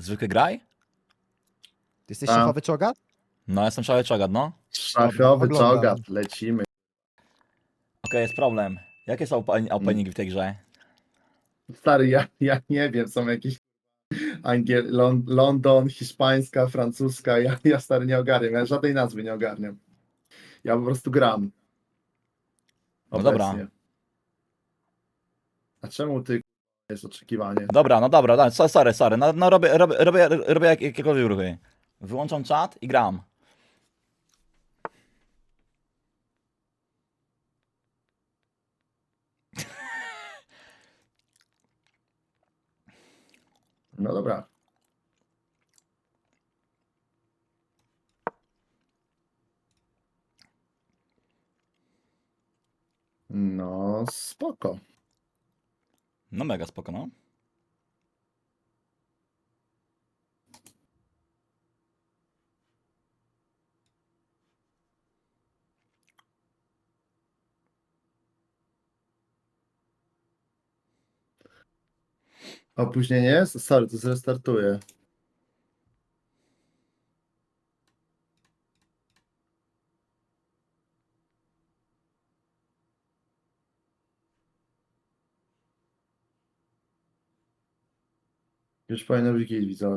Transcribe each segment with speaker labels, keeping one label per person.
Speaker 1: Zwykły graj?
Speaker 2: Ty jesteś
Speaker 3: A.
Speaker 2: szefowy czogat?
Speaker 1: No, jestem szalony czogat, no.
Speaker 3: Szachowy
Speaker 2: Oglądam.
Speaker 3: czogat, lecimy.
Speaker 1: Okej, jest problem. Jakie są openingi w tej grze?
Speaker 3: Stary, ja nie wiem, są jakieś London, hiszpańska, francuska, ja stary nie ogarniam, ja żadnej nazwy nie ogarniam. Ja po prostu gram.
Speaker 1: No dobra.
Speaker 3: Obecnie. A czemu ty jest oczekiwanie?
Speaker 1: Dobra, no dobra, sorry. No robię jakiekolwiek ruchy. Wyłączam czat i gram.
Speaker 3: No dobra. No spoko.
Speaker 1: No mega spoko, no.
Speaker 3: Opóźnienie jest? Sorry, to zrestartuję. Już powinno być git, widzowie.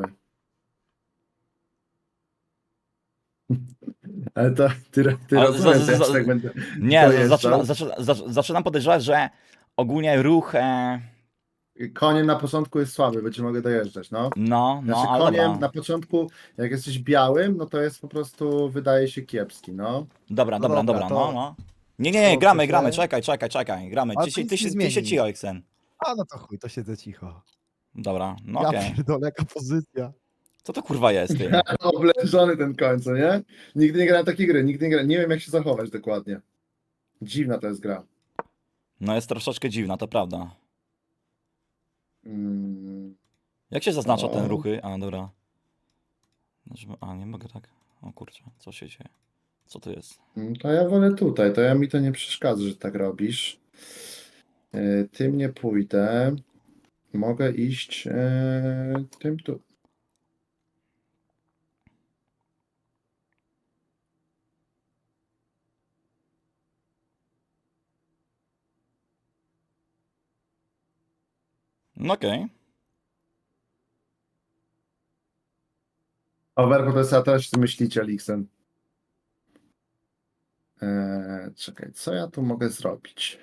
Speaker 3: Ale to ty
Speaker 1: Ale
Speaker 3: rozumiesz, że ja się tak będę
Speaker 1: Nie,
Speaker 3: dojeżdżał.
Speaker 1: zaczynam podejrzewać, że ogólnie ruch...
Speaker 3: Koniem na początku jest słaby, będzie mogę dojeżdżać, no.
Speaker 1: No,
Speaker 3: Znaczy
Speaker 1: ale
Speaker 3: koniem
Speaker 1: dobra.
Speaker 3: na początku, jak jesteś białym, no to jest po prostu, wydaje się kiepski, no.
Speaker 1: Dobra,
Speaker 2: No dobra,
Speaker 1: dobra,
Speaker 2: to-
Speaker 1: no. Nie,
Speaker 2: to
Speaker 1: gramy,
Speaker 2: przecież-
Speaker 1: czekaj, gramy.
Speaker 2: Ale
Speaker 1: Ty
Speaker 2: to nic nie
Speaker 1: się
Speaker 2: zmieni.
Speaker 1: cicho, Xen.
Speaker 2: A no to chuj, to siedzę cicho.
Speaker 1: Dobra, no
Speaker 2: Ja
Speaker 1: okej.
Speaker 2: pierdolę, jaka pozycja.
Speaker 1: Co to kurwa jest, ty?
Speaker 3: Oblężony ten koń, co nie? Nigdy nie grałem takiej gry, nigdy nie grałem, nie wiem jak się zachować dokładnie. Dziwna to jest gra.
Speaker 1: No jest troszeczkę dziwna, to prawda.
Speaker 3: Mm,
Speaker 1: Jak się zaznacza
Speaker 3: O.
Speaker 1: ten ruchy? A, dobra. A, nie mogę tak. O kurczę, co się dzieje? Co to jest?
Speaker 3: to ja wolę tutaj, mi to nie przeszkadza, że tak robisz. Tym nie pójdę. Mogę iść tym tu.
Speaker 1: No okej.
Speaker 3: Overpo to jest, a teraz co myślicie, Lixen? Czekaj, co ja tu mogę zrobić?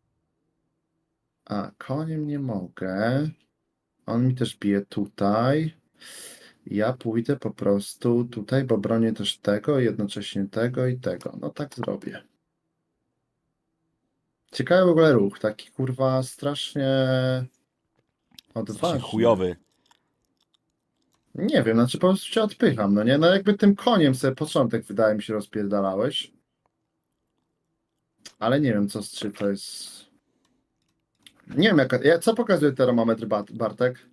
Speaker 3: A, koniem nie mogę. On mi też bije tutaj. Ja pójdę po prostu tutaj, bo bronię też tego, jednocześnie tego i tego. No tak zrobię. Ciekawy w ogóle ruch, taki kurwa strasznie
Speaker 1: Strasznie
Speaker 3: odważny.
Speaker 1: chujowy.
Speaker 3: Nie wiem, znaczy po prostu cię odpycham, no nie? No jakby tym koniem sobie początek wydaje mi się rozpierdalałeś. Ale nie wiem czy to jest... Nie wiem co pokazuje termometr Bartek?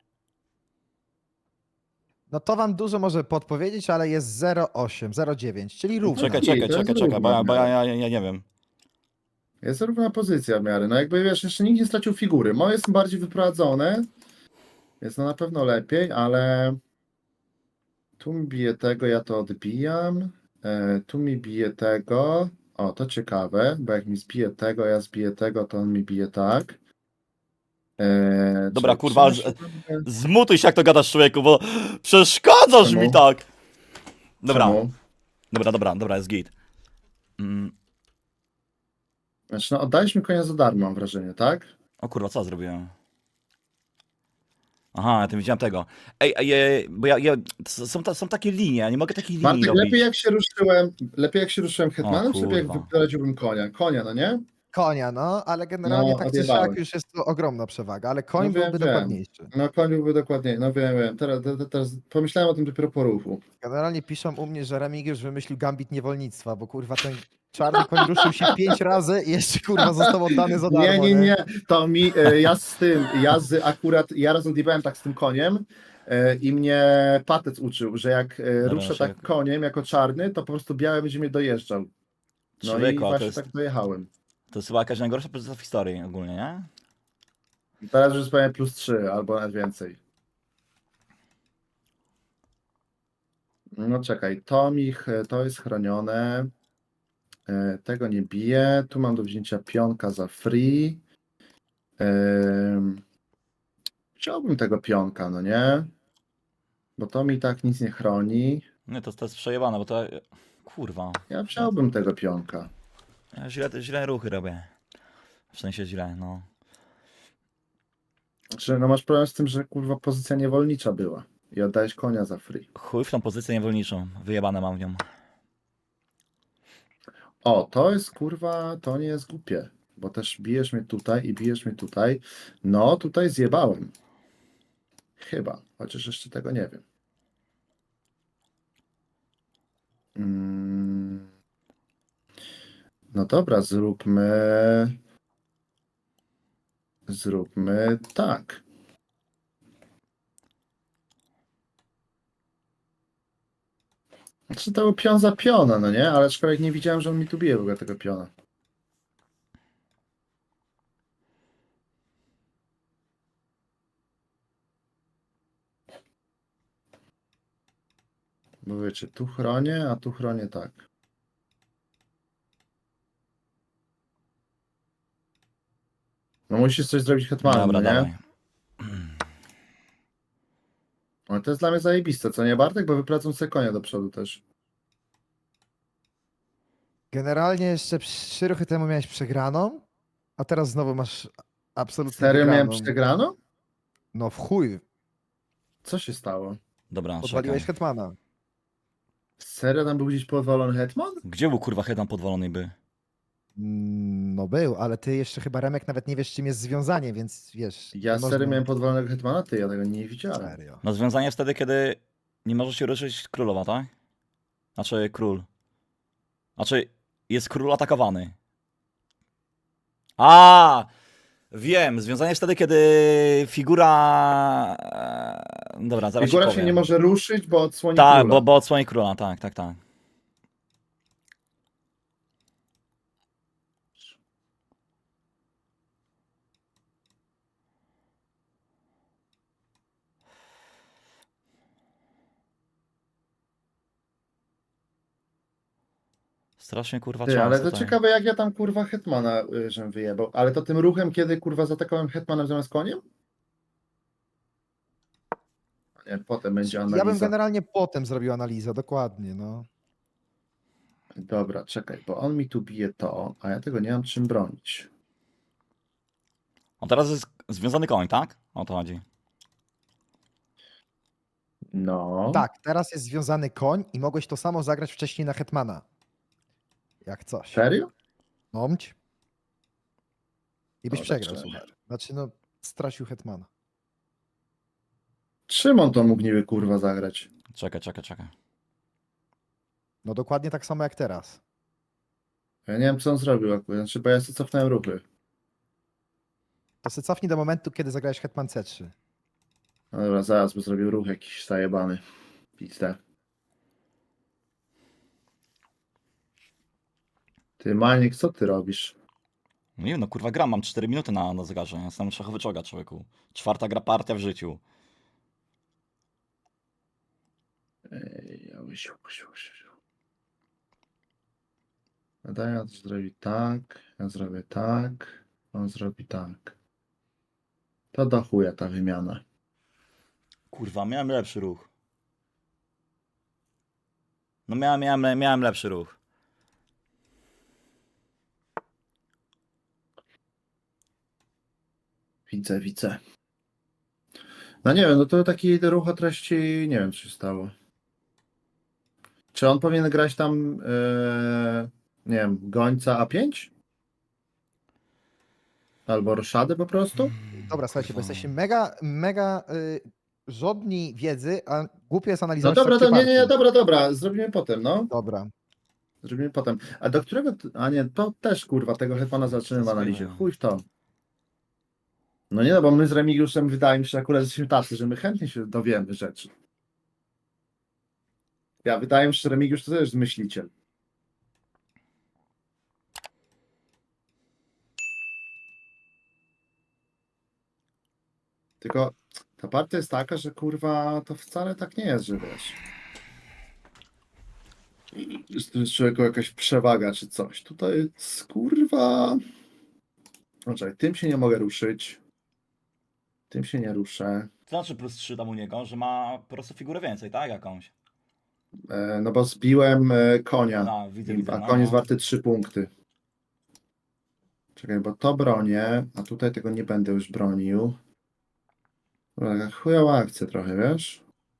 Speaker 2: No to wam dużo może podpowiedzieć, ale jest 0,8, 0,9, czyli równo.
Speaker 1: Czekaj,
Speaker 3: to jest równo,
Speaker 1: bo ja nie wiem.
Speaker 3: Jest równa pozycja w miarę. No jakby wiesz, jeszcze nikt nie stracił figury. Moje są bardziej wyprowadzone. Jest no na pewno lepiej, ale tu mi bije tego, ja to odbijam. Tu mi bije tego. O, to ciekawe, bo jak mi zbije tego, ja zbiję tego, to on mi bije tak.
Speaker 1: Dobra,
Speaker 3: Czy
Speaker 1: kurwa,
Speaker 3: trzyma się tam-
Speaker 1: zmutuj się jak to gadasz, człowieku, bo przeszkadzasz
Speaker 3: Czemu?
Speaker 1: mi tak. Dobra,
Speaker 3: Czemu?
Speaker 1: dobra, jest git.
Speaker 3: Znaczy, no oddaliśmy konia za darmo, mam wrażenie, tak?
Speaker 1: O kurwa, co ja zrobiłem? Aha, ja tym widziałem tego. Bo są takie linie, ja nie mogę takich linii
Speaker 3: Bartek,
Speaker 1: robić.
Speaker 3: lepiej jak się ruszyłem hetmanem, czy lepiej jak
Speaker 1: kurwa.
Speaker 3: wyprowadziłbym konia? Konia, no nie?
Speaker 2: Konia, no, ale generalnie
Speaker 3: No,
Speaker 2: tak czy
Speaker 3: odjebałeś.
Speaker 2: siak już jest to ogromna przewaga, ale koń
Speaker 3: No wiem,
Speaker 2: byłby
Speaker 3: wiem.
Speaker 2: dokładniejszy.
Speaker 3: No koń byłby dokładniej, no wiem. Teraz pomyślałem o tym dopiero po ruchu.
Speaker 2: Generalnie piszą u mnie, że Remigiusz wymyślił gambit niewolnictwa, bo kurwa ten czarny koń ruszył się 5 razy i jeszcze kurwa został oddany za darmo,
Speaker 3: Nie. To mi, ja raz odjebałem tak z tym koniem i mnie patec uczył, że jak ruszę
Speaker 1: się-
Speaker 3: tak koniem jako czarny, to po prostu biały będzie mnie dojeżdżał. No
Speaker 1: Człowieku,
Speaker 3: i
Speaker 1: a
Speaker 3: właśnie tak dojechałem.
Speaker 1: to jest chyba jakaś najgorsza pozycja w historii ogólnie, nie?
Speaker 3: Teraz już powiem +3 albo nawet więcej. No czekaj, to jest chronione. Tego nie biję. Tu mam do wzięcia pionka za free. Chciałbym tego pionka, no nie? Bo to mi tak nic nie chroni.
Speaker 1: Nie, to jest przejebane, bo to... Kurwa.
Speaker 3: Ja wziąłbym tego pionka.
Speaker 1: Ja źle ruchy robię. W sensie źle, no.
Speaker 3: Znaczy, no masz problem z tym, że kurwa pozycja niewolnicza była. I oddałeś konia za free.
Speaker 1: Chuj w tą pozycję niewolniczą. Wyjebane mam w nią.
Speaker 3: O, to jest kurwa, to nie jest głupie. Bo też bijesz mnie tutaj i bijesz mnie tutaj. No, tutaj zjebałem. Chyba, chociaż jeszcze tego nie wiem. No dobra, zróbmy tak. Znaczy to był pion za piona, no nie? Ale aczkolwiek nie widziałem, że on mi tu bije w ogóle tego piona. Bo wiecie, tu chronię, a tu chronię tak. No musisz coś zrobić hetmanem,
Speaker 1: Dobra,
Speaker 3: no nie?
Speaker 1: dawaj.
Speaker 3: Ale to jest dla mnie zajebiste, co nie Bartek? Bo wypracą sobie konia do przodu też.
Speaker 2: Generalnie jeszcze 3 ruchy temu miałeś przegraną, a teraz znowu masz absolutnie
Speaker 3: Serio miałem
Speaker 2: wygraną.
Speaker 3: przegraną?
Speaker 2: No w chuj,
Speaker 3: Co się stało?
Speaker 1: Dobra,
Speaker 2: podwaliłeś
Speaker 1: czekaj.
Speaker 2: hetmana.
Speaker 3: Serio tam był gdzieś podwalony hetman?
Speaker 1: Gdzie był kurwa hedan podwalony by?
Speaker 2: No był, ale ty jeszcze chyba Remek nawet nie wiesz czym jest związanie, więc wiesz.
Speaker 3: Ja
Speaker 2: nie
Speaker 3: serio
Speaker 2: można-
Speaker 3: miałem podwalonego hetmana? Ty, ja tego nie widziałem.
Speaker 2: Serio.
Speaker 1: No związanie wtedy, kiedy nie może się ruszyć królowa, tak? Znaczy król. Znaczy jest król atakowany. A, wiem, związanie jest wtedy, kiedy figura... Dobra, zaraz
Speaker 3: Figura
Speaker 1: ci
Speaker 3: się
Speaker 1: powiem.
Speaker 3: nie może ruszyć, bo odsłoni
Speaker 1: Tak,
Speaker 3: króla.
Speaker 1: bo odsłoni króla, tak, tak, tak. Strasznie kurwa
Speaker 3: Ty,
Speaker 1: czas
Speaker 3: ale to
Speaker 1: tutaj.
Speaker 3: ciekawe jak ja tam kurwa hetmana żem wyjebał. Ale to tym ruchem, kiedy kurwa zaatakowałem hetmanem zamiast koniem? Nie, potem będzie
Speaker 2: Ja bym
Speaker 3: analiza.
Speaker 2: generalnie potem zrobił analizę, dokładnie, no.
Speaker 3: Dobra, czekaj, bo on mi tu bije to, a ja tego nie mam czym bronić.
Speaker 1: On teraz jest związany koń, tak? O to chodzi.
Speaker 3: No.
Speaker 2: Tak, teraz jest związany koń i mogłeś to samo zagrać wcześniej na hetmana. Jak coś.
Speaker 3: Serio?
Speaker 2: Nomć. I byś
Speaker 3: Dobra,
Speaker 2: przegrał,
Speaker 3: czekaj.
Speaker 2: słuchaj. Znaczy, no, stracił hetmana.
Speaker 3: Czym on to mógł niby kurwa zagrać?
Speaker 1: Czekaj.
Speaker 2: No dokładnie tak samo jak teraz.
Speaker 3: Ja nie wiem co on zrobił akurat, znaczy, bo ja sobie cofnąłem ruchy.
Speaker 2: To se cofnij do momentu, kiedy zagrałeś hetman C3.
Speaker 3: No dobra, zaraz, bo zrobił ruch jakiś zajebany. Pizdę. Ty, Maniek, co ty robisz?
Speaker 1: No nie wiem, no kurwa gram, mam 4 minuty na zegarze. Jestem szachowy czoga, człowieku. 4. gra partia w życiu.
Speaker 3: Ej, ja Daj, ja to zrobi tak, ja zrobię tak, on zrobi tak. To do chuja ta wymiana.
Speaker 1: Kurwa, miałem lepszy ruch. No miałem lepszy ruch.
Speaker 3: Widzę. No nie wiem, no to taki ruch o treści, nie wiem co się stało. Czy on powinien grać tam, nie wiem, gońca A5? Albo roszadę po prostu?
Speaker 2: Dobra, słuchajcie, bo
Speaker 1: Kurwa.
Speaker 2: jesteście mega żadni wiedzy, a głupie jest
Speaker 3: No
Speaker 2: analizować
Speaker 3: dobra,
Speaker 2: trakcie
Speaker 3: to nie,
Speaker 2: partii.
Speaker 3: dobra, zrobimy potem, no.
Speaker 2: Dobra.
Speaker 3: Zrobimy potem. A do którego, a nie, to też kurwa, tego hetmana zaczniemy w analizie. Chuj w to. No nie no, bo my z Remigiuszem wydaje mi się, że akurat jesteśmy tacy, że my chętnie się dowiemy rzeczy. Ja wydaje mi się, że Remigiusz to też jest myśliciel. Tylko ta partia jest taka, że kurwa to wcale tak nie jest, że wiesz. Jest człowieku jakaś przewaga czy coś. Tutaj jest, kurwa... Poczekaj, tym się nie mogę ruszyć. Tym się nie ruszę.
Speaker 1: To znaczy +3 tam u niego, że ma po prostu figurę więcej, tak? Jakąś.
Speaker 3: No bo zbiłem konia.
Speaker 1: No, widzę,
Speaker 3: A
Speaker 1: no,
Speaker 3: koń jest
Speaker 1: no.
Speaker 3: warty 3 punkty. Czekaj, bo to bronię, a tutaj tego nie będę już bronił. Dobra, taka chujowa akcja trochę, wiesz?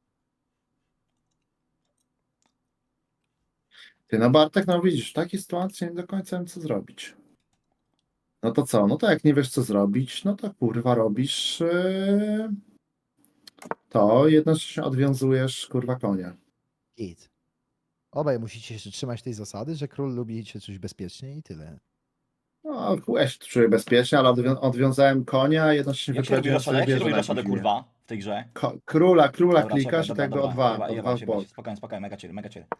Speaker 3: Ty, no Bartek, no widzisz, w takiej sytuacji nie do końca wiem, co zrobić. No to co? No to jak nie wiesz, co zrobić, no to kurwa robisz to, jednocześnie odwiązujesz kurwa konia.
Speaker 2: Git. Obaj musicie się trzymać tej zasady, że król lubi się czuć bezpiecznie i tyle.
Speaker 3: No, ja się tu czuję bezpiecznie, ale odwiązałem konia, a jednocześnie
Speaker 1: Jak się robi
Speaker 3: wyprowadziłem
Speaker 1: raszadę?
Speaker 3: sobie
Speaker 1: Jak się
Speaker 3: wieżę
Speaker 1: robi
Speaker 3: na
Speaker 1: raszadę,
Speaker 3: Wiedźminie.
Speaker 1: kurwa, w tej grze?
Speaker 3: Króla
Speaker 1: Dobra,
Speaker 3: klikasz
Speaker 1: czekaj,
Speaker 3: i
Speaker 1: dobra,
Speaker 3: tego
Speaker 1: dobra,
Speaker 3: o dwa w bok.
Speaker 1: spokojnie, spokojnie, mega chill, mega chill.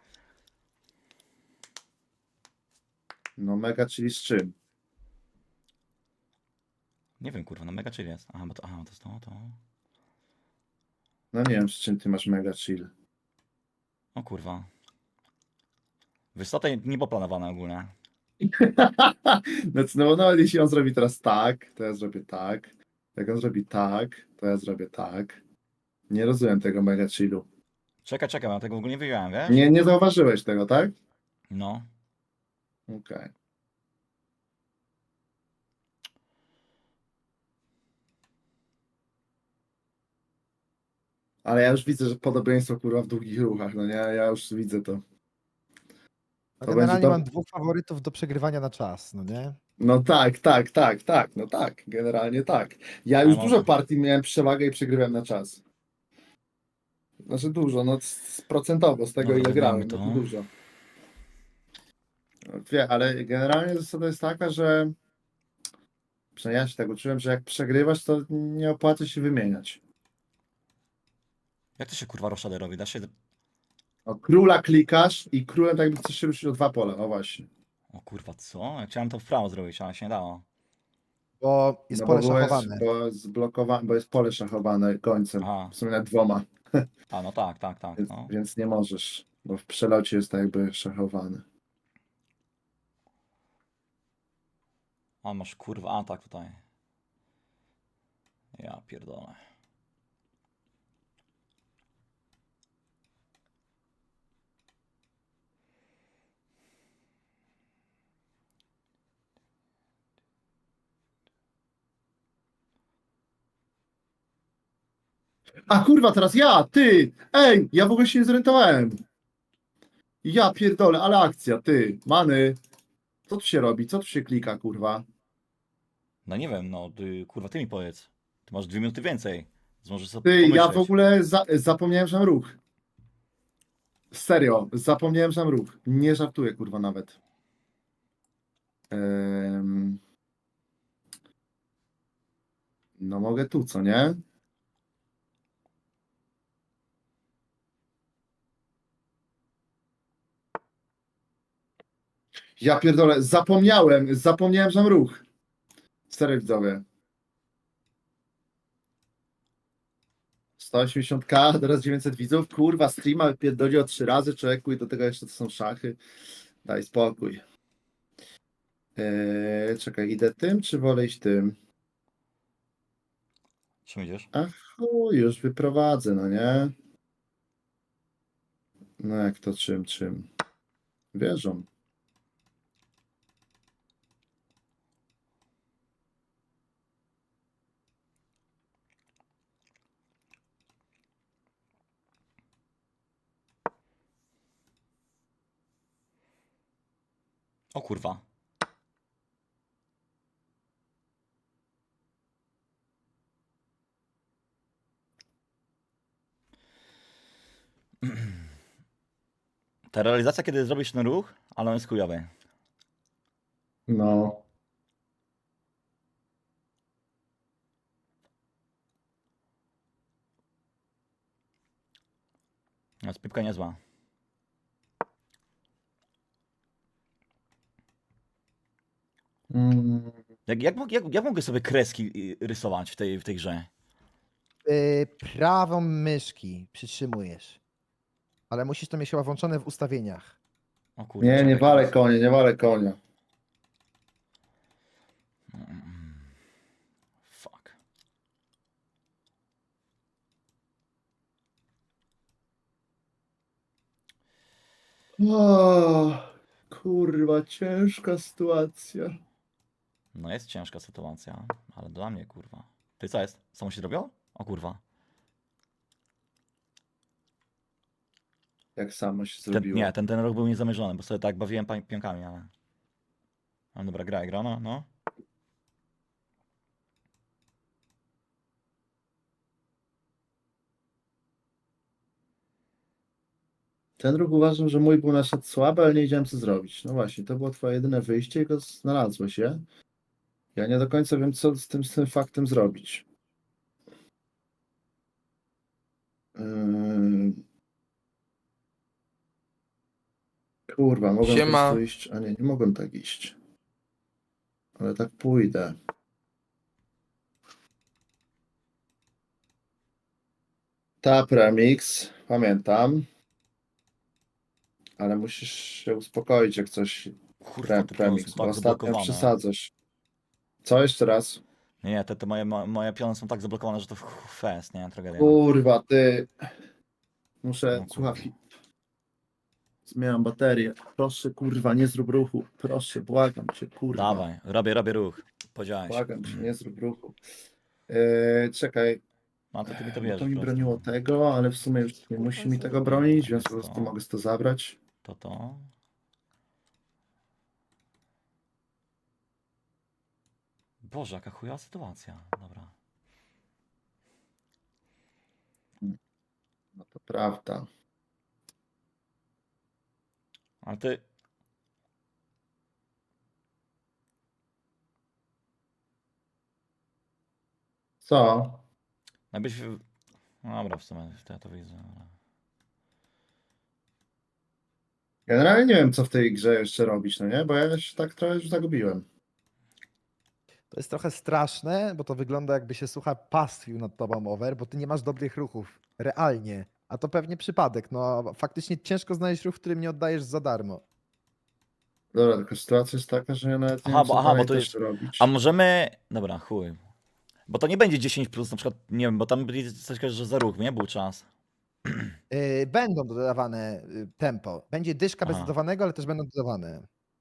Speaker 3: No mega, czyli z czym?
Speaker 1: Nie wiem, kurwa, no mega chill jest. Aha, bo to, aha, to jest to.
Speaker 3: No nie wiem, z czym ty masz mega chill.
Speaker 1: O kurwa. Wiesz co, to nie było planowane ogólnie.
Speaker 3: No nawet jeśli on zrobi teraz tak, to ja zrobię tak. Jak on zrobi tak, to ja zrobię tak. Nie rozumiem tego mega chillu.
Speaker 1: Czekaj, ja tego w ogóle nie wyjąłem, wiesz?
Speaker 3: Nie zauważyłeś tego, tak?
Speaker 1: No.
Speaker 3: Okej. Ale ja już widzę, że podobieństwo kurwa w długich ruchach, no nie? Ja już widzę to.
Speaker 2: No
Speaker 3: To
Speaker 2: generalnie
Speaker 3: będzie to-
Speaker 2: mam dwóch faworytów do przegrywania na czas, no nie?
Speaker 3: No tak, no tak, generalnie tak. Ja
Speaker 1: Ale
Speaker 3: już
Speaker 1: może-
Speaker 3: dużo partii miałem przewagę i przegrywałem na czas. Znaczy dużo, no procentowo z tego
Speaker 1: Dobra,
Speaker 3: ile grałem,
Speaker 1: wygramy
Speaker 3: no
Speaker 1: to.
Speaker 3: to dużo. No, wie, ale generalnie zasada jest taka, że przynajmniej ja się tak uczyłem, że jak przegrywasz, to nie opłaca się wymieniać.
Speaker 1: Jak to się kurwa raszadę robi? Da się...
Speaker 3: O, króla klikasz i królem tak jakby chcesz się ruszyć o 2 pola, o właśnie.
Speaker 1: O kurwa, co? Ja chciałem to w prawo zrobić, ale się nie dało.
Speaker 2: Bo jest
Speaker 3: No
Speaker 2: pole
Speaker 3: bo
Speaker 2: szachowane.
Speaker 3: bo jest pole szachowane końcem,
Speaker 1: Aha.
Speaker 3: w sumie nawet 2.
Speaker 1: A, no tak,
Speaker 3: Więc,
Speaker 1: no.
Speaker 3: więc nie możesz, bo w przelocie jest tak jakby szachowany.
Speaker 1: A, masz kurwa atak tutaj. Ja pierdolę.
Speaker 3: A kurwa, teraz ja, ty! Ej, ja w ogóle się nie zorientowałem. Ja pierdolę, ale akcja, ty, many. Co tu się robi? Co tu się klika, kurwa?
Speaker 1: No nie wiem, no ty, kurwa, ty mi powiedz. Ty masz 2 minuty więcej. Więc możesz sobie
Speaker 3: Ty,
Speaker 1: pomyśleć.
Speaker 3: ja w ogóle zapomniałem, że mam ruch. Serio, zapomniałem, że mam ruch. Nie żartuję, kurwa, nawet. No mogę tu, co nie? Ja pierdolę, zapomniałem, że mam ruch. Serio, widzowie. 180k, teraz 900 widzów. Kurwa, streama pierdoli o 3 razy, człowieku, i do tego jeszcze to są szachy. Daj spokój. Czekaj, idę tym, czy wolę iść tym?
Speaker 1: Czym idziesz?
Speaker 3: Ach, chuj, już wyprowadzę, no nie? No jak to czym? Wierzą.
Speaker 1: O kurwa. Ta realizacja, kiedy zrobisz ten ruch, ale on jest chujowy.
Speaker 3: No.
Speaker 1: No, spipka niezła.
Speaker 3: Mm,
Speaker 1: Jak mogę sobie kreski rysować w tej grze?
Speaker 2: Prawą myszki przytrzymujesz. Ale musisz to mieć chyba włączone w ustawieniach.
Speaker 1: O kurwa,
Speaker 3: Nie, nie
Speaker 1: czekaj,
Speaker 3: walę
Speaker 1: teraz.
Speaker 3: konia, nie walę konia.
Speaker 1: Fuck.
Speaker 3: O, kurwa, ciężka sytuacja.
Speaker 1: No jest ciężka sytuacja, ale dla mnie kurwa. Ty co jest? Samo się zrobiło? O kurwa.
Speaker 3: Jak samo się
Speaker 1: Ten,
Speaker 3: zrobiło.
Speaker 1: nie, ten ruch był niezamierzony, bo sobie tak bawiłem pionkami, ale... Ale dobra, gra, no.
Speaker 3: Ten ruch uważam, że mój był na przykład słaby, ale nie wiedziałem co zrobić. No właśnie, to było twoje jedyne wyjście i go znalazłeś, je? Ja nie do końca wiem, co z tym faktem zrobić. Yy... Kurwa, mogłem po
Speaker 4: Siema.
Speaker 3: prostu iść, a nie mogłem tak iść. Ale tak pójdę. Tap Remix, pamiętam. Ale musisz się uspokoić, jak coś
Speaker 1: Kurwa, te piony
Speaker 3: Remix,
Speaker 1: są
Speaker 3: bo
Speaker 1: tak
Speaker 3: ostatnio
Speaker 1: zablokowane.
Speaker 3: przesadzasz. Co jeszcze raz?
Speaker 1: Nie, te moje piony są tak zablokowane, że to fest, nie? Tragedia.
Speaker 3: Kurwa, ty. Muszę
Speaker 1: No, kurwa.
Speaker 3: słuchawki. Zmieniam baterię. Proszę, kurwa, nie zrób ruchu. Proszę, błagam cię, kurwa.
Speaker 1: Dawaj, robię ruch. Podziałeś.
Speaker 3: Błagam cię, nie zrób ruchu. Czekaj,
Speaker 1: No to ty mi to
Speaker 3: bo
Speaker 1: wiesz.
Speaker 3: to mi
Speaker 1: po prostu.
Speaker 3: broniło tego, ale w sumie już nie musi mi tego bronić, więc po prostu mogę to zabrać.
Speaker 1: To. Boże, jaka chujowa sytuacja. Dobra.
Speaker 3: No to prawda.
Speaker 1: Ale ty...
Speaker 3: Co?
Speaker 1: Jakbyś... No dobra, w sumie to ja to widzę. ale-
Speaker 3: Generalnie nie wiem, co w tej grze jeszcze robić, no nie? Bo ja się tak trochę już zagubiłem.
Speaker 2: To jest trochę straszne, bo to wygląda jakby się słucha pastwił nad tobą over, bo ty nie masz dobrych ruchów. Realnie. A to pewnie przypadek. No faktycznie ciężko znaleźć ruch, którym nie oddajesz za darmo.
Speaker 3: Dobra, tylko sytuacja jest taka, że ja nawet nie
Speaker 1: Aha,
Speaker 3: wiem, co
Speaker 1: bo
Speaker 3: dalej
Speaker 1: to
Speaker 3: też
Speaker 1: jest...
Speaker 3: robić.
Speaker 1: A możemy... Dobra, chuj. Bo to nie będzie 10 plus, na przykład, nie wiem, bo tam byli coś, że za ruch, nie? Był czas.
Speaker 2: Będą dodawane tempo. Będzie dyszka bez
Speaker 1: Aha.
Speaker 2: dodawanego, ale też będą dodawane.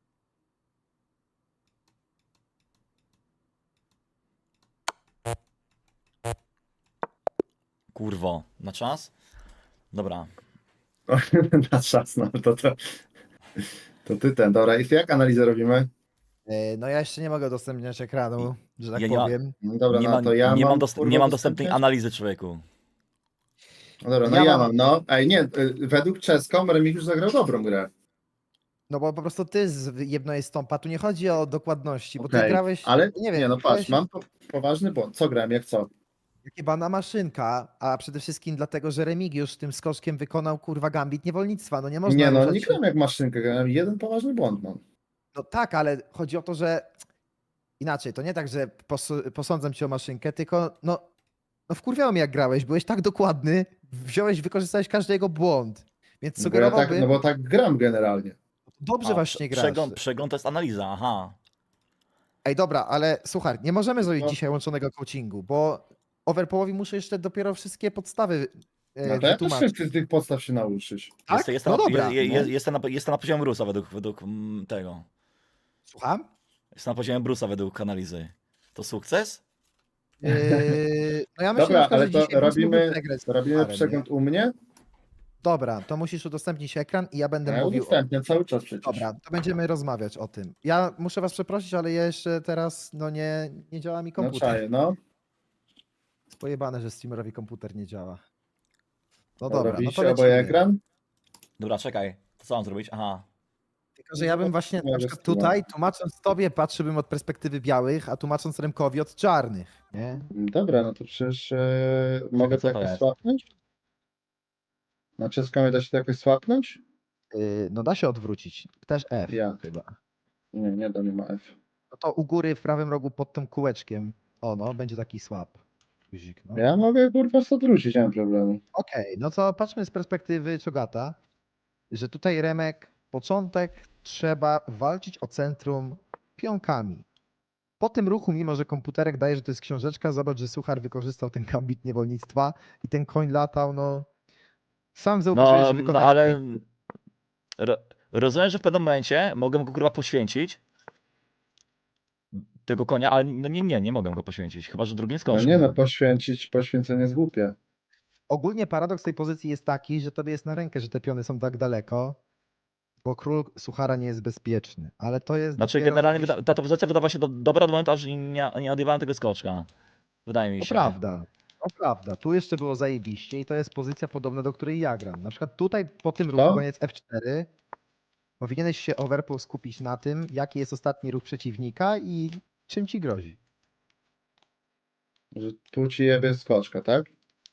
Speaker 1: Kurwo, na czas? Dobra.
Speaker 3: Na czas, no to ty ten. Dobra, i jak analizę robimy?
Speaker 2: No ja jeszcze nie mogę udostępniać ekranu, że tak
Speaker 1: Ja nie ma-
Speaker 2: powiem.
Speaker 3: No dobra,
Speaker 1: nie,
Speaker 3: no to ja
Speaker 1: nie
Speaker 3: mam,
Speaker 1: mam,
Speaker 3: kurwa,
Speaker 1: nie mam dostępnej
Speaker 3: udostępniać?
Speaker 1: analizy, człowieku.
Speaker 3: No dobra, no
Speaker 2: Ja
Speaker 3: ja
Speaker 2: mam-
Speaker 3: mam, no. Ej, nie, według Czeską Remigiusz zagrał dobrą grę.
Speaker 2: No bo po prostu ty jedno jest stąpa. Tu nie chodzi o dokładności, bo ty
Speaker 3: Okej,
Speaker 2: grałeś.
Speaker 3: ale
Speaker 2: nie wiem,
Speaker 3: nie, no patrz,
Speaker 2: grałeś
Speaker 3: mam poważny błąd. Co grałem, jak co?
Speaker 2: chyba na maszynka, a przede wszystkim dlatego, że Remigiusz tym skoczkiem wykonał kurwa gambit niewolnictwa. No nie można
Speaker 3: Nie, no
Speaker 2: ruszać
Speaker 3: nie
Speaker 2: się-
Speaker 3: grałem jak maszynkę, grałem jeden poważny błąd mam.
Speaker 2: No tak, ale chodzi o to, że inaczej, to nie tak, że posądzam cię o maszynkę, tylko no wkurwiało mnie jak grałeś, byłeś tak dokładny, wykorzystałeś każdy jego błąd. Więc
Speaker 3: No bo ja tak,
Speaker 2: sugerowałbym,
Speaker 3: no bo tak gram generalnie.
Speaker 2: dobrze właśnie grasz.
Speaker 1: Przegląd to jest analiza, aha.
Speaker 2: Ej, dobra, ale słuchaj, nie możemy zrobić
Speaker 3: No.
Speaker 2: dzisiaj łączonego coachingu, bo Overpołowi muszę jeszcze dopiero wszystkie podstawy
Speaker 3: No to ja też
Speaker 2: wytłumaczyć.
Speaker 3: chcę z tych podstaw się nauczyć.
Speaker 2: Tak?
Speaker 1: Jestem,
Speaker 2: No dobra.
Speaker 1: jestem na poziomie Brusa według tego.
Speaker 2: Słucham?
Speaker 1: Jestem na poziomie Brusa według analizy. To sukces?
Speaker 2: No ja myślę,
Speaker 3: Dobra,
Speaker 2: na przykład,
Speaker 3: ale
Speaker 2: że
Speaker 3: to
Speaker 2: dzisiaj byś mógł
Speaker 3: robimy-
Speaker 2: przegrać z
Speaker 3: Robimy
Speaker 2: Pucharem, nie?
Speaker 3: przegląd u mnie?
Speaker 2: Dobra, to musisz udostępnić ekran i ja będę
Speaker 3: Ja
Speaker 2: mówił.
Speaker 3: udostępniam cały czas przecież.
Speaker 2: Dobra, to będziemy rozmawiać o tym. Ja muszę was przeprosić, ale ja jeszcze teraz, no nie działa mi
Speaker 3: No
Speaker 2: komputer.
Speaker 3: czaję, no.
Speaker 2: Jest pojebane, że streamerowi komputer nie działa. No
Speaker 3: Dobra,
Speaker 2: dobra, no to
Speaker 3: widzicie oboje
Speaker 2: lecimy.
Speaker 3: ekran?
Speaker 1: Dobra, czekaj. To co mam zrobić? Aha.
Speaker 2: Tylko, że ja bym właśnie na
Speaker 3: Mogę
Speaker 2: przykład
Speaker 3: streama.
Speaker 2: tutaj, tłumacząc tobie, patrzyłbym od perspektywy białych, a tłumacząc Remkowi od czarnych. Nie?
Speaker 3: Dobra, no to przecież mogę to
Speaker 1: Co to
Speaker 3: jakoś
Speaker 1: jest?
Speaker 3: swapnąć? Na czeską da się to jakoś swapnąć?
Speaker 2: No da się odwrócić. Też F
Speaker 3: Jak?
Speaker 2: chyba.
Speaker 3: Nie, nie da, nie ma F.
Speaker 2: No to u góry w prawym rogu pod tym kółeczkiem. O no, będzie taki swap. Guzik, no.
Speaker 3: Ja mogę kurwa odwrócić, nie mam problemu.
Speaker 2: Okej, no to patrzmy z perspektywy Czogata, że tutaj Remek początek trzeba walczyć o centrum pionkami. Po tym ruchu, mimo że komputerek daje, że to jest książeczka, zobacz, że Suchar wykorzystał ten gambit niewolnictwa i ten koń latał, no... Sam zauważyłeś,
Speaker 1: No,
Speaker 2: że
Speaker 1: no
Speaker 2: wykonać...
Speaker 1: ale rozumiem, że w pewnym momencie mogę go kurwa poświęcić. Tego konia, ale no nie mogę go poświęcić. Chyba, że drugim
Speaker 3: No
Speaker 1: skoczem.
Speaker 3: nie no, poświęcenie jest głupie.
Speaker 2: Ogólnie paradoks tej pozycji jest taki, że tobie jest na rękę, że te piony są tak daleko, bo król Suchara nie jest bezpieczny, ale to jest
Speaker 1: Znaczy
Speaker 2: dopiero
Speaker 1: generalnie
Speaker 2: gdzieś-
Speaker 1: ta pozycja wydawała się dobra do momentu, aż nie odjebałem tego skoczka. Wydaje mi
Speaker 2: To
Speaker 1: się.
Speaker 2: prawda. To prawda. Tu jeszcze było zajebiście i to jest pozycja podobna, do której ja gram. Na przykład tutaj po tym ruchu,
Speaker 3: Co?
Speaker 2: koniec F4, powinieneś się overpool skupić na tym, jaki jest ostatni ruch przeciwnika i czym ci grozi.
Speaker 3: Że tu ci jebie skoczka, tak?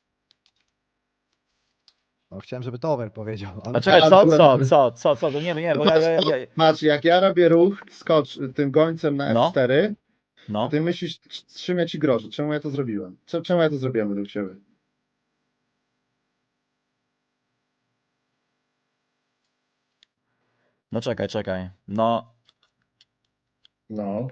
Speaker 2: No, chciałem, żeby to over powiedział, ale
Speaker 1: A czekaj,
Speaker 3: A,
Speaker 1: co?
Speaker 3: dobra.
Speaker 1: To nie, bo ja.
Speaker 3: Patrz, jak ja robię ruch tym gońcem na
Speaker 1: No.
Speaker 3: F4,
Speaker 1: No.
Speaker 3: ty myślisz, czym ja ci grożę? Czemu ja to zrobiłem? Czemu ja to zrobiłem według ciebie?
Speaker 1: No czekaj. No.
Speaker 3: No.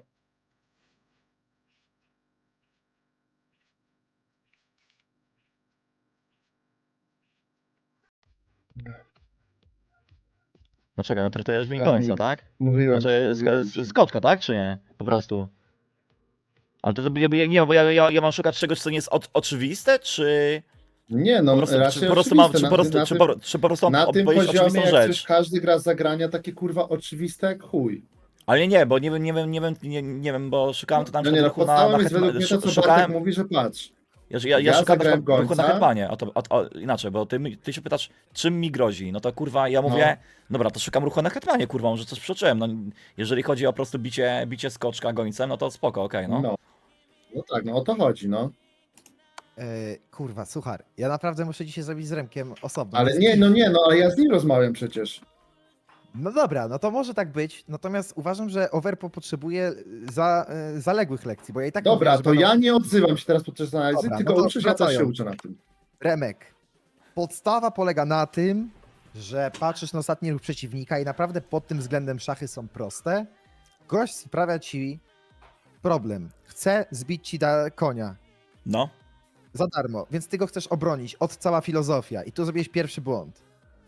Speaker 1: No czekaj, no traktujesz mi
Speaker 3: Tak,
Speaker 1: końca, tak?
Speaker 3: Mówiłem.
Speaker 1: Znaczy skoczka, tak? Czy nie? Po prostu. Ale to nie, bo ja mam szukać czegoś, co nie jest oczywiste, czy
Speaker 3: Nie, no
Speaker 1: po prostu,
Speaker 3: raczej
Speaker 1: czy po prostu mam,
Speaker 3: oczywiste.
Speaker 1: czy po prostu
Speaker 3: Na
Speaker 1: mam
Speaker 3: tym
Speaker 1: powiedzieć
Speaker 3: poziomie,
Speaker 1: oczywistą
Speaker 3: jak
Speaker 1: rzecz.
Speaker 3: przecież każdy gra z zagrania takie kurwa oczywiste jak chuj.
Speaker 1: Ale nie, bo nie wiem, bo szukałem to tam
Speaker 3: No nie, no
Speaker 1: ruchu na
Speaker 3: podstawą jest według mnie to, co Bartek
Speaker 1: szukałem,
Speaker 3: mówi, że patrz.
Speaker 1: ja
Speaker 3: ja
Speaker 1: szukałem
Speaker 3: zagrałem
Speaker 1: ruchu na
Speaker 3: gońca.
Speaker 1: hetmanie, inaczej, bo ty się pytasz, czym mi grozi, no to kurwa, ja mówię, dobra, to szukam ruchu na hetmanie, kurwa, może coś przeoczyłem, no jeżeli chodzi o po prostu bicie skoczka gońcem, no to spoko, okej, no.
Speaker 3: No tak, no o to chodzi, no.
Speaker 2: Kurwa, Suchar, ja naprawdę muszę dzisiaj zrobić z Remkiem osobno.
Speaker 3: Ale
Speaker 2: To
Speaker 3: nie,
Speaker 2: jest
Speaker 3: no nie, no ale ja z nim rozmawiam przecież.
Speaker 2: No dobra, no to może tak być, natomiast uważam, że Overpo potrzebuje zaległych lekcji, bo ja i tak
Speaker 3: Dobra,
Speaker 2: mówię, że
Speaker 3: to
Speaker 2: będą-
Speaker 3: ja nie odzywam się teraz podczas analizy,
Speaker 2: Dobra,
Speaker 3: tylko
Speaker 2: no to
Speaker 3: uczysz, ja też się
Speaker 2: wracając.
Speaker 3: uczę na tym.
Speaker 2: Remek, podstawa polega na tym, że patrzysz na ostatni ruch przeciwnika i naprawdę pod tym względem szachy są proste. Gość sprawia ci problem. Chce zbić ci konia
Speaker 1: No,
Speaker 2: za darmo, więc ty go chcesz obronić. Od cała filozofia. I tu zrobiłeś pierwszy błąd.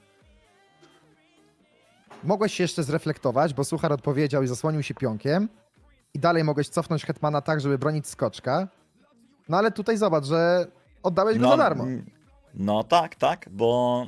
Speaker 2: Mogłeś się jeszcze zreflektować, bo Suchar odpowiedział i zasłonił się pionkiem. I dalej mogłeś cofnąć hetmana tak, żeby bronić skoczka. No ale tutaj zobacz, że oddałeś go za darmo.
Speaker 1: No tak, bo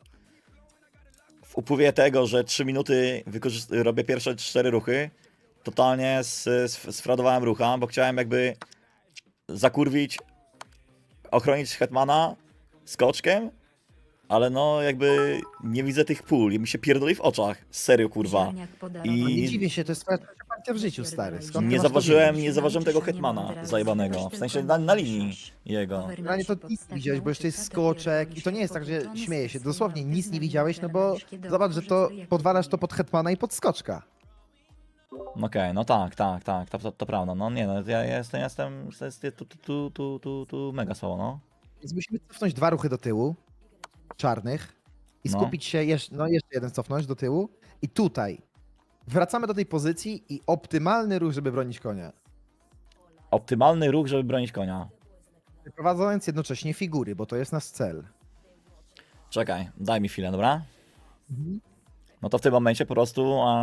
Speaker 1: w upływie tego, że 3 minuty robię pierwsze 4 ruchy, totalnie sfradowałem rucha, bo chciałem jakby zakurwić, ochronić hetmana skoczkiem, ale no jakby nie widzę tych pól i mi się pierdoli w oczach, serio kurwa. I-
Speaker 2: No nie dziwię się, to jest twoja partia w życiu, stary. Skąd ty
Speaker 1: Nie
Speaker 2: masz to
Speaker 1: zauważyłem,
Speaker 2: wiedzieć?
Speaker 1: nie zauważyłem tego hetmana zajebanego, w sensie na linii jego.
Speaker 2: Generalnie to nic nie widziałeś, bo jeszcze jest skoczek i to nie jest tak, że śmieję się. Dosłownie nic nie widziałeś, no bo zobacz, że to podwalasz to pod hetmana i pod skoczka.
Speaker 1: Okej, no tak, to prawda, no nie no, ja jestem tu mega słabo, no.
Speaker 2: Więc musimy cofnąć 2 ruchy do tyłu, czarnych, i
Speaker 1: No.
Speaker 2: skupić się, jeszcze jeden cofnąć do tyłu. I tutaj wracamy do tej pozycji i optymalny ruch, żeby bronić konia.
Speaker 1: Optymalny ruch, żeby bronić konia.
Speaker 2: Wyprowadzając jednocześnie figury, bo to jest nasz cel.
Speaker 1: Czekaj, daj mi chwilę, dobra? No to w tym momencie po prostu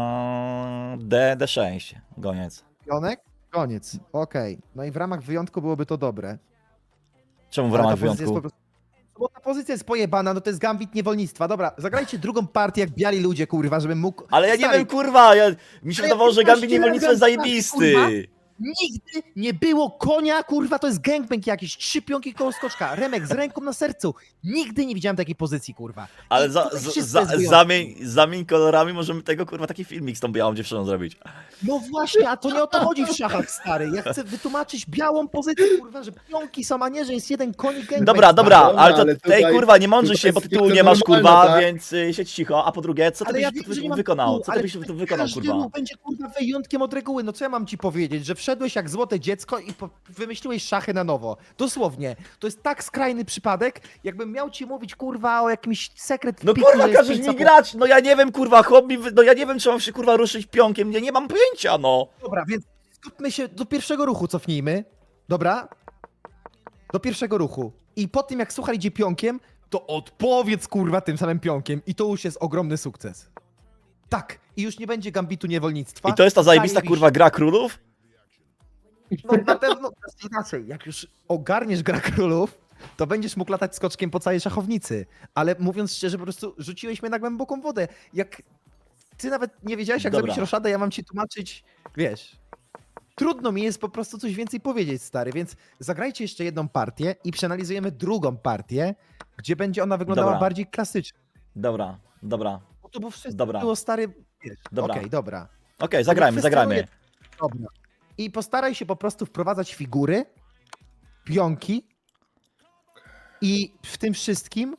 Speaker 1: D6, goniec.
Speaker 2: Pionek? Koniec. Okej. No i w ramach wyjątku byłoby to dobre.
Speaker 1: Czemu w
Speaker 2: Ale
Speaker 1: ramach
Speaker 2: ta pozycja jest
Speaker 1: wyjątku?
Speaker 2: po prostu... No bo ta pozycja jest pojebana, no to jest gambit niewolnictwa. Dobra, zagrajcie drugą partię jak biali ludzie, kurwa, żebym mógł...
Speaker 1: Ale ja nie
Speaker 2: Stary,
Speaker 1: wiem, kurwa, mi się
Speaker 2: Ale ja
Speaker 1: wydawało, że
Speaker 2: 15
Speaker 1: Gambit
Speaker 2: lat
Speaker 1: Niewolnictwa jest
Speaker 2: gram w
Speaker 1: zajebisty.
Speaker 2: kurwa. Nigdy nie było konia, kurwa, to jest gangbang jakiś, 3 pionki koło skoczka, Remek z ręką na sercu. Nigdy nie widziałem takiej pozycji, kurwa.
Speaker 1: Ale
Speaker 2: I tutaj wszystko jest wyjątkiem.
Speaker 1: zamień kolorami, możemy tego, kurwa, taki filmik z tą białą dziewczyną zrobić.
Speaker 2: No właśnie, a to nie o to chodzi w szachach, stary. Ja chcę wytłumaczyć białą pozycję, kurwa, że pionki są, a nie, że jest jeden koń i gangbang.
Speaker 1: Dobra,
Speaker 3: Dobra,
Speaker 1: ale to
Speaker 3: ale tutaj-
Speaker 1: kurwa, nie mądrzyj
Speaker 3: tutaj
Speaker 1: się, bo
Speaker 3: jest
Speaker 1: tytułu
Speaker 3: tylko
Speaker 1: nie masz,
Speaker 3: normalne,
Speaker 1: kurwa,
Speaker 3: tak?
Speaker 1: więc siedź cicho. A po drugie, co ty
Speaker 2: Ale
Speaker 1: byś
Speaker 2: ja wiem, że nie mam
Speaker 1: wykonał?
Speaker 2: tytułu,
Speaker 1: Co ty
Speaker 2: ale
Speaker 1: byś wykonał,
Speaker 2: każdy
Speaker 1: kurwa?
Speaker 2: ruch będzie, kurwa, wyjątkiem od reguły. No co ja mam ci powiedzieć, że wszedłeś jak złote dziecko i wymyśliłeś szachy na nowo. Dosłownie. To jest tak skrajny przypadek, jakbym miał ci mówić, kurwa, o jakimś sekret
Speaker 1: No
Speaker 2: piku,
Speaker 1: kurwa,
Speaker 2: że jest
Speaker 1: każesz
Speaker 2: pięć
Speaker 1: mi
Speaker 2: zapó-
Speaker 1: grać, no ja nie wiem, kurwa, hobby, no ja nie wiem, czy mam się, kurwa, ruszyć pionkiem, nie mam pojęcia, no.
Speaker 2: Dobra, więc skupmy się, do pierwszego ruchu cofnijmy. Dobra? Do pierwszego ruchu. I po tym, jak Suchar idzie pionkiem, to odpowiedz, kurwa, tym samym pionkiem. I to już jest ogromny sukces. Tak. I już nie będzie gambitu niewolnictwa.
Speaker 1: I to jest ta zajebista,
Speaker 2: Zajebiście.
Speaker 1: kurwa, gra królów?
Speaker 2: No na pewno, inaczej, jak już ogarniesz gra królów, to będziesz mógł latać skoczkiem po całej szachownicy. Ale mówiąc szczerze, po prostu rzuciłeś mnie na głęboką wodę. Jak ty nawet nie wiedziałeś, jak
Speaker 1: Dobra.
Speaker 2: zrobić roszadę, ja mam ci tłumaczyć, wiesz. Trudno mi jest po prostu coś więcej powiedzieć, stary, więc zagrajcie jeszcze jedną partię i przeanalizujemy drugą partię, gdzie będzie ona wyglądała
Speaker 1: Dobra.
Speaker 2: bardziej klasycznie.
Speaker 1: Dobra.
Speaker 2: Bo to było wszystko
Speaker 1: Dobra.
Speaker 2: było, stary, wiesz.
Speaker 1: Dobra.
Speaker 2: Okej, dobra.
Speaker 1: Okej, zagrajmy.
Speaker 2: Dobra. I postaraj się po prostu wprowadzać figury, pionki i w tym wszystkim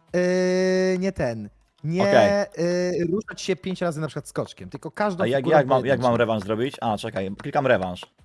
Speaker 2: nie ruszać się 5 razy na przykład skoczkiem, tylko każdą
Speaker 1: A
Speaker 2: figurą
Speaker 1: jak mam
Speaker 2: pojedynczo.
Speaker 1: rewanż zrobić? A, czekaj, klikam rewanż.